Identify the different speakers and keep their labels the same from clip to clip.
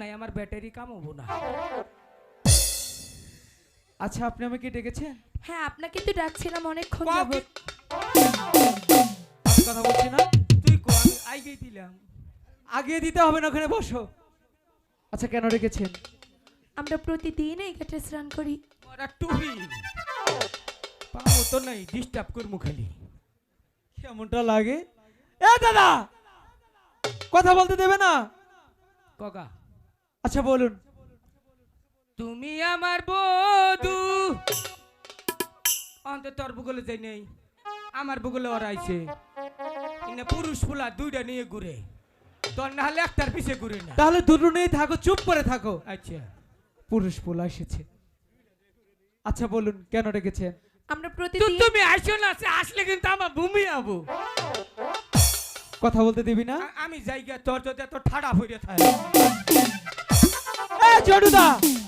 Speaker 1: নাই, আমার ব্যাটারি কাম হবো না।
Speaker 2: আচ্ছা আপনি আমাকে ডেকেছেন?
Speaker 3: হ্যাঁ, আপনাকে তো ডাকছিলাম অনেকক্ষণ
Speaker 1: কও
Speaker 3: যাবত।
Speaker 1: কি-
Speaker 2: আমি কথা বলছি না,
Speaker 1: তুই কো, আমি আইগেই দিলাম।
Speaker 2: আগে দিতে হবে না, ওখানে বসো। আচ্ছা কেন ডেকেছেন?
Speaker 3: আমরা প্রতিদিন এই ঘাটে স্নান করি।
Speaker 1: ওরা টুপি পাবো তো নাই, ডিস্টার্ব করবো খালি।
Speaker 2: কেমনটা লাগে? এ দাদা, কথা বলতে দেবে না?
Speaker 1: কগা,
Speaker 2: আচ্ছা বলুন।
Speaker 1: তুমি আমার বধু। অন্তত তোর ভূগোলে যাই নেই, আমার ভূগোলে ওরা আইছে। ইনা পুরুষ ফুলা দুইটা নিয়ে ঘুরে, তোর না হলে একটার পিছে ঘুরে না।
Speaker 2: তাহলে দুটো নেই থাকো, চুপ করে থাকো।
Speaker 1: আচ্ছা,
Speaker 2: পুরুষ পোলা এসেছে। আচ্ছা বলুন কেন ডেকেছেন?
Speaker 3: আমরা প্রতিদিন
Speaker 1: তুমি আসো না, আসলে কিন্তু আমার ভূমি আবু।
Speaker 2: কথা বলতে দিবি না?
Speaker 1: আমি জায়গা তোর যদি এত ঠাড়া হইরে থাকে।
Speaker 2: এ জডুদা,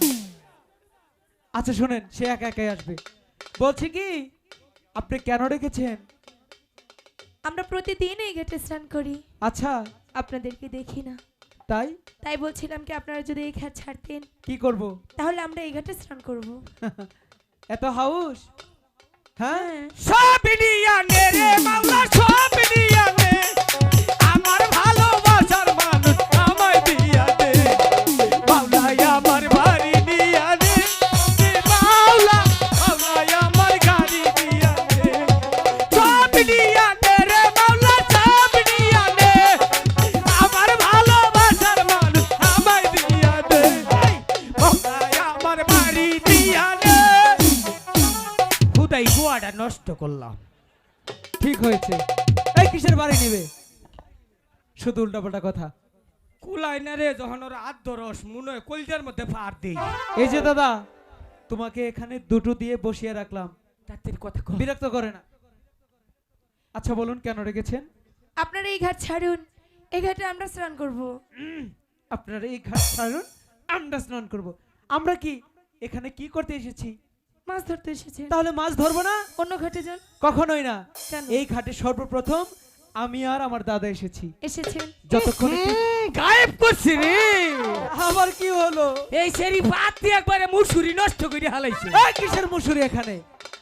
Speaker 2: আচ্ছা শুনেন, সে একা একাই আসবে। বলছি কি, আপনি কেন ডেকেছেন?
Speaker 3: আমরা প্রতিদিন এই ঘাটে স্নান করি,
Speaker 2: আচ্ছা
Speaker 3: আপনাদেরকে দেখি না।
Speaker 2: তাই
Speaker 3: তাই বলছিলাম কি আপনারা যদি এই ঘাট ছাড়তেন
Speaker 2: কি করব?
Speaker 3: তাহলে আমরা এই ঘাটে স্নান করব।
Speaker 2: এত হাউস? হ্যাঁ
Speaker 1: সব নিয়া নে রে মাওলা, সব নিয়া নে। আমার ভালোবাসার মানুষ আমায় দিয়া দে মাওলা, আমার বাড়ি নিয়া নে। মাওলা, মাওলা আমার গাড়ি দিয়া দে। সব নিয়া নে রে মাওলা, সব নিয়া নে। আমার ভালোবাসার মানুষ আমায় দিয়া দে মাওলা, আমার বাড়ি দিয়া দে। খুদাই গোয়াটা নষ্ট করলাম।
Speaker 2: ঠিক হয়েছে। এই কিসের বাড়ি নেবে? শুধু উল্টাপাল্টা কথা।
Speaker 1: কুলাই না রে, যখন ওরা আদ্য রস মনে হয় কলজার মধ্যে ফার দেই।
Speaker 2: এই যে দাদা, তোমাকে এখানে দুটো দিয়ে বসিয়ে রাখলাম,
Speaker 1: তাদের কথা কর।
Speaker 2: বিরক্ত করে না। আচ্ছা বলুন কেন রেখেছেন?
Speaker 3: আপনারা এই ঘাট ছাড়ুন, এই ঘাটে আমরা স্নান করব।
Speaker 2: আপনারা এই ঘাট ছাড়ুন, আমরা স্নান করব। আমরা কি এখানে কি করতে এসেছি?
Speaker 3: মাছ ধরতে এসেছেন।
Speaker 2: তাহলে মাছ ধরবো না?
Speaker 3: অন্য ঘাটে যান।
Speaker 2: কখনোই না।
Speaker 3: কেন?
Speaker 2: এই ঘাটে সর্বপ্রথম আমি আর আমার দাদা এসেছি।
Speaker 3: এসেছেন
Speaker 2: যতক্ষণ
Speaker 1: গায়েব করছি রে।
Speaker 2: আবার কি হলো?
Speaker 1: এই সেরি বাদ দিয়ে একবারে মুসুরি নষ্ট করে হালাইছে।
Speaker 2: এই কিসের মুসুরি এখানে?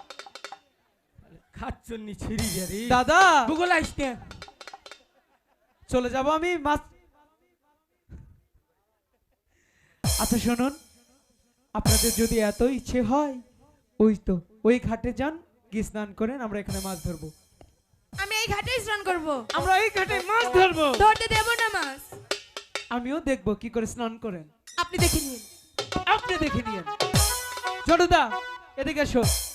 Speaker 1: খাচ্ছন্নি ছিড়ি রে
Speaker 2: দাদা
Speaker 1: ভূগোল আইস না।
Speaker 2: চলে যাব আমি মাছ। আচ্ছা শুনুন, আপনাদের যদি এত ইচ্ছে হয়, ওই ঘাটে যান, গিয়ে স্নান করেন, আমরা এখানে মাছ ধরবো।
Speaker 3: আমি এই ঘাটেই স্নান করব।
Speaker 1: আমরা এই ঘাটে মাছ ধরবো।
Speaker 3: ধরতে দেব না মাছ।
Speaker 2: আমিও দেখবো কি করে স্নান করেন।
Speaker 3: আপনি দেখে নিন।
Speaker 2: আপনি দেখে নিয়েন। জড়দা এদিকে এসো।